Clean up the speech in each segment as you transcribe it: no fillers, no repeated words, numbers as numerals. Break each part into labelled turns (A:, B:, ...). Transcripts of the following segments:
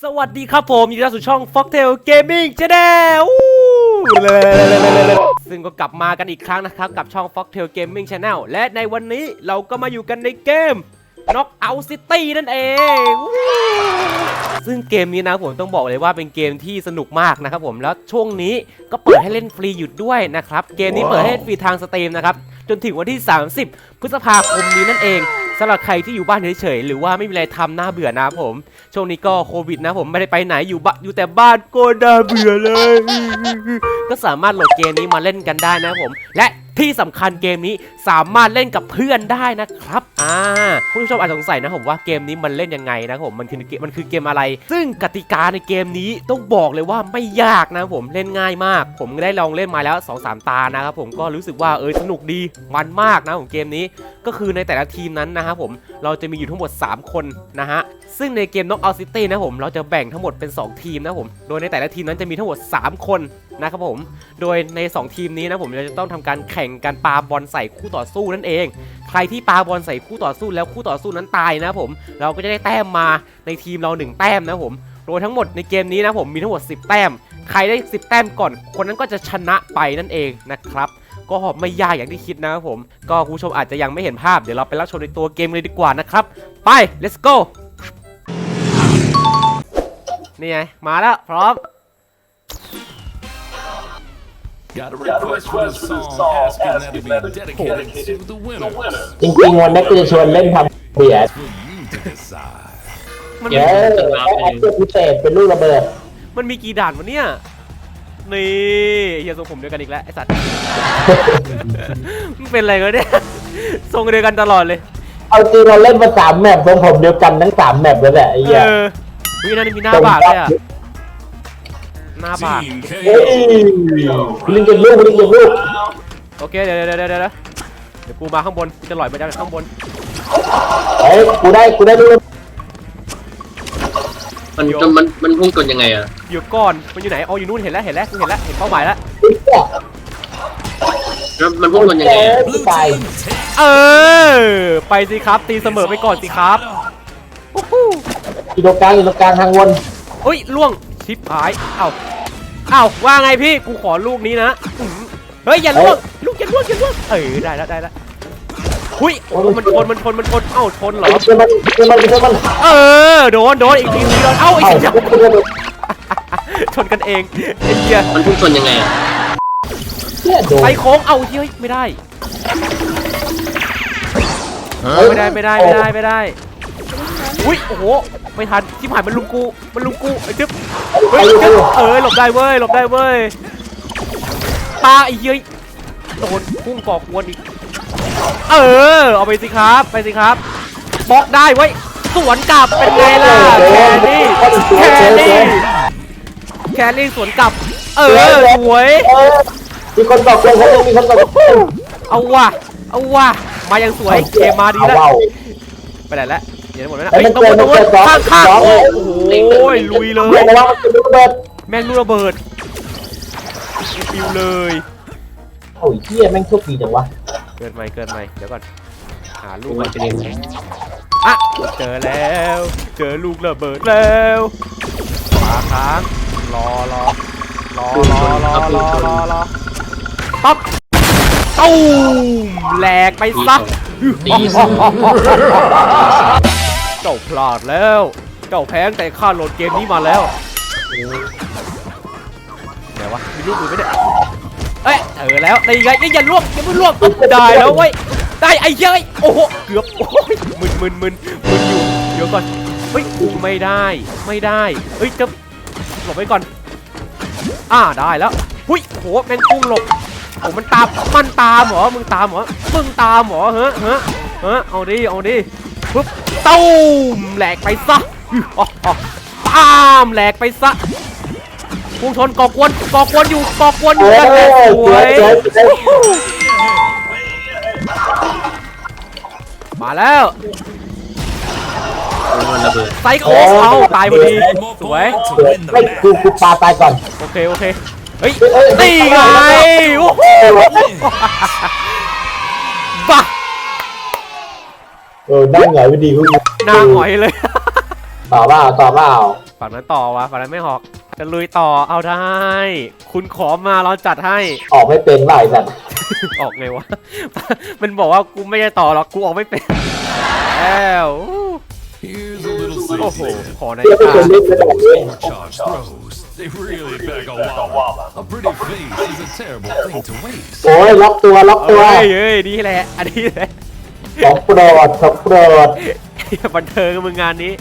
A: สวัสดีครับผมยินดีต้อนรับสู่ช่อง Foxtail Gaming Channel ซึ่งก็กลับมากันอีกครั้งนะครับกับช่อง Foxtail Gaming Channel และในวันนี้เราก็มาอยู่กันในเกม Knockout City นั่นเองซึ่งเกมนี้นะผมต้องบอกเลยว่าเป็นเกมที่สนุกมากนะครับผมแล้วช่วงนี้ก็เปิดให้เล่นฟรีอยู่ด้วยนะครับเกมนี้เปิดให้ฟรีทางสตรีมนะครับจนถึงวันที่30 พฤษภาคมนี้นั่นเองสำหรับใครที่อยู่บ้านเฉยๆหรือว่าไม่มีอะไรทำน่าเบื่อนะผมช่วงนี้ก็โควิดนะผมไม่ได้ไปไหนอยู่แต่บ้านก็น่าเบื่อเลยก็สามารถโหลดเกมนี้มาเล่นกันได้นะผมและที่สำคัญเกมนี้สามารถเล่นกับเพื่อนได้นะครับผู้ชมอาจสงสัยนะผมว่าเกมนี้มันเล่นยังไงนะผมมันคือเกมอะไรซึ่งกติกาในเกมนี้ต้องบอกเลยว่าไม่ยากนะผมเล่นง่ายมากผมได้ลองเล่นมาแล้ว 2-3 ตานะครับผมก็รู้สึกว่าสนุกดีมันมากนะผมเกมนี้ก็คือในแต่ละทีมนั้นนะครับผมเราจะมีอยู่ทั้งหมด3คนนะฮะซึ่งในเกม Knockout City นะผมเราจะแบ่งทั้งหมดเป็น2ทีมนะผมโดยในแต่ละทีมนั้นจะมีทั้งหมด3คนนะครับผมโดยใน2ทีมนี้นะผมเราจะต้องทำการแข่งกันปาบอลใส่คู่ต่อสู้นั่นเองใครที่ปาบอลใส่คู่ต่อสู้แล้วคู่ต่อสู้นั้นตายนะผมเราก็จะได้แต้มมาในทีมเรา1แต้มนะผมโดยทั้งหมดในเกมนี้นะผมมีทั้งหมด10แต้มใครได้10แต้มก่อนคนนั้นก็จะชนะไปนั่นเองนะครับก็ไม่ยากอย่างที่คิดนะครับผมก็คุณผู้ชมอาจจะยังไม่เห็นภาพเดี๋ยวเราไปรับชมในตัวเกมเลยดีกว่านะครับไป let's go นี่ไงมาแล้วพร้อม
B: Got a request for this song asking that it be dedicated to the winner.
C: จริงๆวันนี้กูจะชวนเล่นทำเบียด
B: For you to decide.
A: มัน
C: เดี๋ยวไอ้ตัวพิเศษเป็นลูกระเบิด
A: มันมีกี่ด่านวะเนี่ยนี่เฮียทรงผมเดียวกันอีกแล้วไอสัตว์ มันเป็นอะไรกันเนี่ยทรงเดียวกันตลอดเลย
C: เอาจริงเราเล่นมา3แมปทรงผมเดียวกันทั้ง3แมปแล้วแหละไอ้เหี้ย
A: วินั่นมีหน้าบากเลยอะหน้าบาก
B: Team
C: เฮ้ย
B: KO.
C: ลิงเก็บลูก
A: โอเคเดี๋ยวกูมาข้างบนกูจะลอยไปจากข้างบน
C: เฮ้ยกูได้ลูก
D: มันพุ่งกลยังไงอ่ะ
A: อยู่ก่อนมันอยู่ไหนอ๋ออยู่นู่นเห็นแล้วเห็นเป้าหมายแล้ว
D: แล้วมันพุ่งกลยังไงอ่ะ
C: ตาย
A: ไปสิครับตีเสมอไปก่อนสิครับ
C: อยู่ตรงกลางทางวน
A: เฮ้ยล่วงชิปหายเอ้าว่าไงพี่กูขอลูกนี้นะเฮ้ยอย่าล่วงลูกอย่าล่วงได้แล้วหุ้ยมันชนเอ้าชนเหรอ
C: เชื่อมัน
A: โดนอีกทีนึงโดนเอ้าไอ้เหี้ยชนกันเองไอ้เหี้ย
D: มันพุ่งกลยังไงอ่ะ
A: ไปโค้งเอาเฮ้ยไม่ได้อุ้ยโอ้โหไม่ทันชิบหายมันลุมกูไอ้จึ๊บหลบได้เว้ยตาไอ้เหี้ยโดนพุ่งก่อกวนอีกเอาไปสิครับบล็อกได้ไว้สวนกลับเป็นไงล่ะแครี่สวนกลับสวย
C: มีคนบอกเลยเขามีคนบอก
A: เอาว่ะมายังสวยเกมมาดีแล้วไปไหนแล้วเดี๋ยวหมดแล้วนะต้องข้างโอ้โหลุยเลยแม่งลูกระเบิดปิวเลย
C: โอ้ยเหี้ยแม่งโชคดีจังวะ
A: เกินไหมเดี๋ยวก่อนหาลูกมันจะเด้งเจอแล้วเจอลูกระเบิดแล้วมาค้างรอปั๊บตู้มแหลกไปซะเจ้าพลาดแล้วเจ้าแพ้แต่ข้าโหลดเกมนี้มาแล้วไหนวะมีลูกอื่นไหมเนี่ยแล้วได้ไงอย่าล่วงได้แล้วเว้ยได้ไอ้เย้ยโอ้โหเกือบโอ้ยมึนอยู่เดี๋ยวก่อนเฮ้ยไม่ได้เฮ้ยจะหลบไว้ก่อนได้แล้วหุ้ยโหแม่งพุ่งหลบโอ้มันตามเหรอมึงตามเหรอเฮ้อเอาดิปุ๊บตูมแหลกไปซะตามแหลกไปซะพุ่งชนก่อกวนอยู่กันแหละสวยมาแล้วไซโคเอาตายพอดีสวย
C: ไม่กูปาตายก่อน
A: โอเคเฮ้ยตีไงโอ้โหบ้า
C: นั่งหงอยไปดีกู
A: หน้าหงอยเลย
C: ต่อเปล่า
A: ฝั่งนั้นต่อวะฝั่งนั้นไม่หอกจะลุยต่อเอาได้ คุณขอมาเราจัดให้
C: ออกไม่เป็นหลายสัตว์
A: ออกไงวะ มันบอกว่ากูไม่ได้ต่อหรอกกูออกไม่เป็นแล้ว
B: Here's a little
A: โอ้โห
B: secret.
A: ขอใน
C: เพื่อไม่
A: ตา
C: เป็นเล่นกระโดดเลย
B: Charged throws. They really beg a wobble. A pretty face is a terrible thing to waste.
C: โอ้ยล็อกตัวล็อกตัว
A: เฮ้ยเฮ้ยนี่แหละอันนี้แหละ
C: ของโปรดของโปรด
A: บันเทิงมึงงานนี้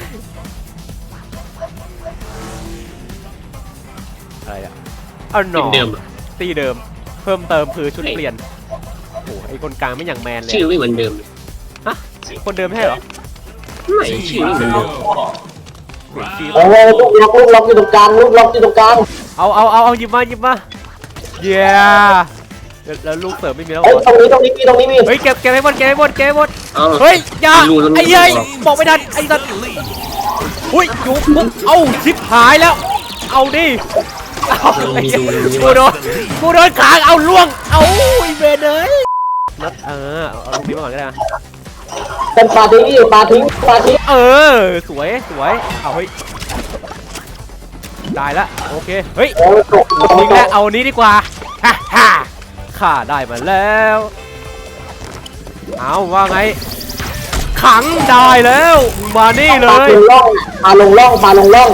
A: อะไรอ่ะเอาหน
D: ที
A: อ
D: มเดิมอะ
A: ตีเดิมเพิ่มเติมคือชุดเปลี่ยนโอ้โหไอ้คนกลางไม่อย่างแมนเลย
D: ชื่อไม่เหมือนเดิมเลย
A: ฮะคนเดิมไม่ใช่เหรอ
D: ไม่ชื่อไม่เหมือนเดิม
C: โอ้ยลูกล็อกอยู่ตรงกลางลูกล็อกอยู่ตรงกลาง
A: เอาหยิบมาเย้แล้วลูกเสริมไม่มีแล้วเหร
C: เฮ้ย
A: อ
C: ตรงนี้มี
A: เฮ้ยเก็บให้หมด
D: เอา
A: เฮ้ยอย่า
D: รูตรงนี้
A: ไอ้เหี้ยบอกไม่ทันไอ้สัตว์อุ้ยจุ๊บปุ๊บเอ้าชิบหายแล้ว เอาดิเอาไอ้เหี้ยกูโดนขางเอาล่วงเอาไอ้เบนเลยนัดเอาลูกนี้มาก่อนก็ได้นะ
C: เป็นปลาทิ้ง
A: เออสวยเอาเฮ้ยได้ละโอเคเฮ้ย
C: โอ้ยตก
A: ทิ้งแล้วเอานี้ดีกว่าฮ่าฮ่าข้าได้มาแล้วเอาว่าไงขังได้แล้วมานี่เล
C: ปลาย ลงล่องปลาลงล่อง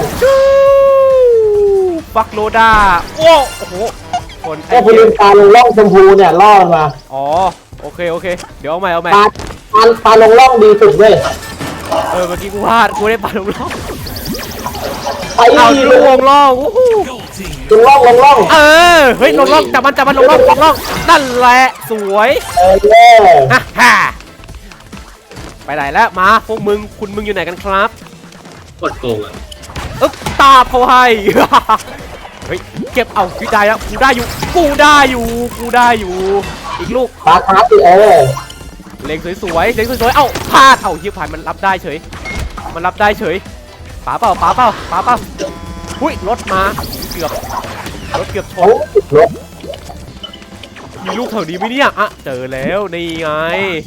A: ฟักโลดาโอ้โหคน
C: ก็พูดปลาลงล่องชมพูเนี่ยล่อมันมา
A: อ๋อโอเคเดี๋ยวเอาใหม่
C: ปลาลงล่องดีสุดเว้ย
A: เมื่อกี้กูพลาดกูได้ปลาลงล่อง
C: ไป
A: เอา
C: ล
A: ลูกว
C: ง
A: งล่องโอ้โห
B: Gold team.
C: ล่อง
A: เฮ้ยลงล่องจับมันลงล่องนั่นแหละสวย
C: เย่
A: ฮ่าฮ่าไปไหนแล้วมาพวกมึงคุณอยู่ไหนกันครับ
D: โคตรโกงอ่ะ
A: ตาเขาให้ เฮ้ยเก็บเอากูได้แล้วกูได้อยู่อีกลูก
C: ปลาคาร์ฟ
A: เล็งสวยเอ้าพลาดเอ้าเฮียผ่านมันรับได้เฉยป๋าเปล่าหุ้ยรถมาเกือบช
C: โอ้
A: น
C: รถ
A: มีลูกแถวนี้ไหมเนี่ยอ่ะเจอแล้วนี่ไง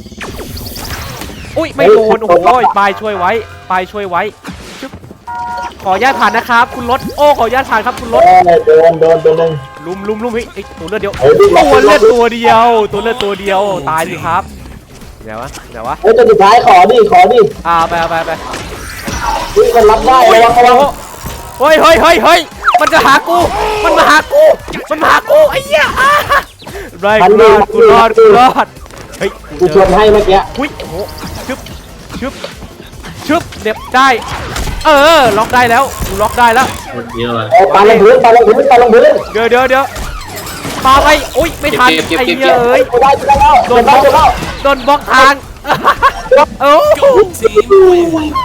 A: อุ้ยไม่โดนโอ้โหปลายช่วยไว้ชึบขออนุญาตผ่านนะครับคุณรถขออนุญาตผ่านครับคุณรถ
C: โดนหนึ่ง
A: ลุมเฮ้ยตัวเลือดเดียว
C: เฮ้ยดิ
A: ตัวเลือดตัวเดียวตายสิครับเดี๋ยววะ
C: เฮ้ยตัวสุดท้ายขอดิ
A: ไป
C: มันรับได้ระวัง
A: เฮ้ยมันจะหากูมันมาหากูไอ้เหี้ยไรกูรอดเฮ้ย
C: กูชวนให้เมื่อกี้
A: หุ้ยโอ้โหชึบเด็บได้ล็อกได้แล้วกูล็อกได้แล้ว
D: เยอะเลย
C: ปลาลงพื้น
A: เดี๋ยวปาไปอุ้ยไม่ทันไอ้เหี้ยเอ้ย
C: ได้แล้ว
A: โดนบล็อกทางโอ้
B: Gold team wins.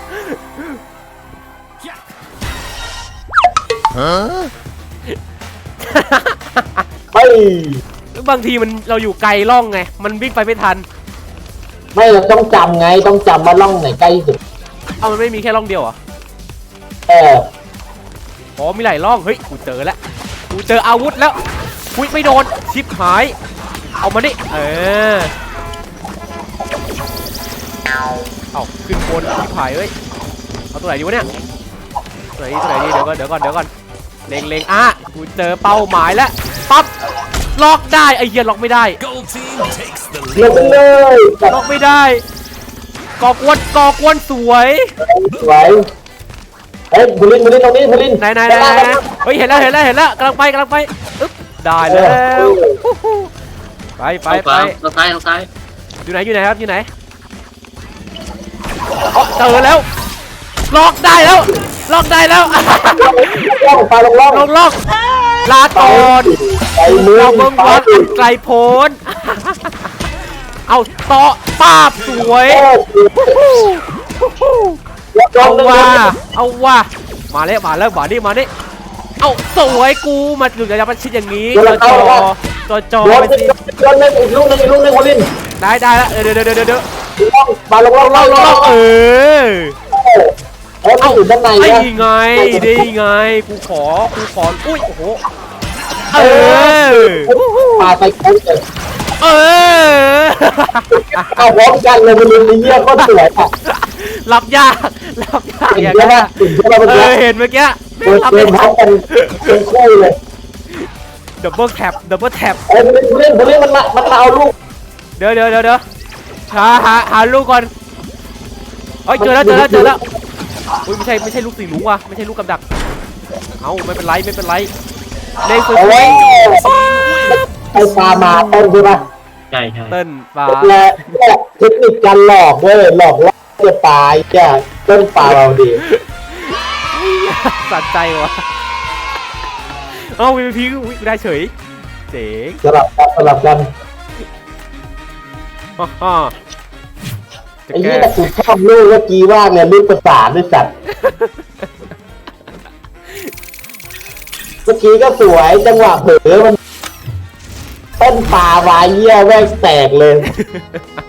C: เฮ้ย
A: บางทีเราอยู่ไกลล่องไงมันวิ่งไปไม่ทัน
C: ไม่เราต้องจำไงต้องจำว่าล่องไหนใกล้สุด
A: เอามันไม่มีแค่ล่องเดียวเหรอ อ๋อมีหลายล่องเฮ้ยกูเจอแล้วกูเจออาวุธแล้วอุ้ยไม่โดนชิปหายเอามาดิเอาขึ้นบนชิปหายเอ้ยเอาตัวไหนดีวะเนี่ยตัวไหนดีเดี๋ยวก่อนเล็งกูเจอเป้าหมายแล้วปั๊บล็อกได้ไอ้เหี้ยล็อกไม่ได้
B: Gold team takes the
C: ลง
B: lead.
C: ไปเลย
A: ล็อกไม่ได้ก่อกวนสวย
C: สวยเฮ้ยบุลินตรงนี้บุลิน
A: ไหนเฮ้ยเห็นแล้วกำลังไปอึ๊บได้แล้วไป
D: ทางซ้าย
A: อยู่ไหนครับอยู่ไหนเจอแล้วล็อกได้แล้ว
C: ล่องปลาลงล่อง
A: ลงลาก่อน
C: ไปมือ
A: เราเบิ่งบอลอันไกลโพ้นเอาต่อป้าบสวยเอาว่ามาแล้วมาดิเอาสวยกูมาอยู่จะมาชิดอย่างนี้จอ
C: โดน
A: ไปสิ
C: อีกลูกนึงบุลิน
A: ได้แล้วเดี๋ยว
C: ปลาลงล่อง เอาอยู่ด้านใน
A: ไอ้
C: นะ
A: ไงกูขออุ้ยโอ้โห
C: ปลาไปโค้งเลย
A: เออ
C: เอาพร้อมกันเลยมันเลยเยี่ยก็สวยอ่ะ
A: รับยากรับยาก
C: เห็น
A: อย่าง
C: ใช่
A: นั้น
C: ไหม
A: อะ
C: เห็นใช่ไหมเมื่อ
A: เอ
C: กี้
A: อเห็นเมื่อกี้
C: เดินพร้อมกันเป็นคู่เลย
A: ดับเบิลแท็บดับเบิลแท็บ
C: ไอ้ผู้เล่นมันมาเอาลูก
A: เดี๋ยวหาลูกก่อนเอ้ยเจอแล้วอุ้ยไม่ใช่ลูกสีลุงว่ะไม่ใช่ลูกกับดักเอ้าไม่เป็นไรเล่นสว
C: โอ้
A: ย
C: ยไอ้ปลามาต้นใช่ปะ
D: ใช่ใช่
A: ๆเต้นปลา
C: และเทคนิคการหลอกเว้ยหลอกว่าจะตายจ้ะต้นปลาเราดี
A: สัใจวะเอ้าวีพีได้เฉยเจ๋ง
C: สลับกัน
A: ฮ่าจะ
C: ไอ้
A: แก้
C: นี่แต่กูชอบลูกเมื่อกี้ว่าเนี่ยลูกประสานด้วยสัตว์เมื่อกี้ก็สวยจังหวะเผลอมันต้นปลาวายเยี่ยแม่งแตกเลย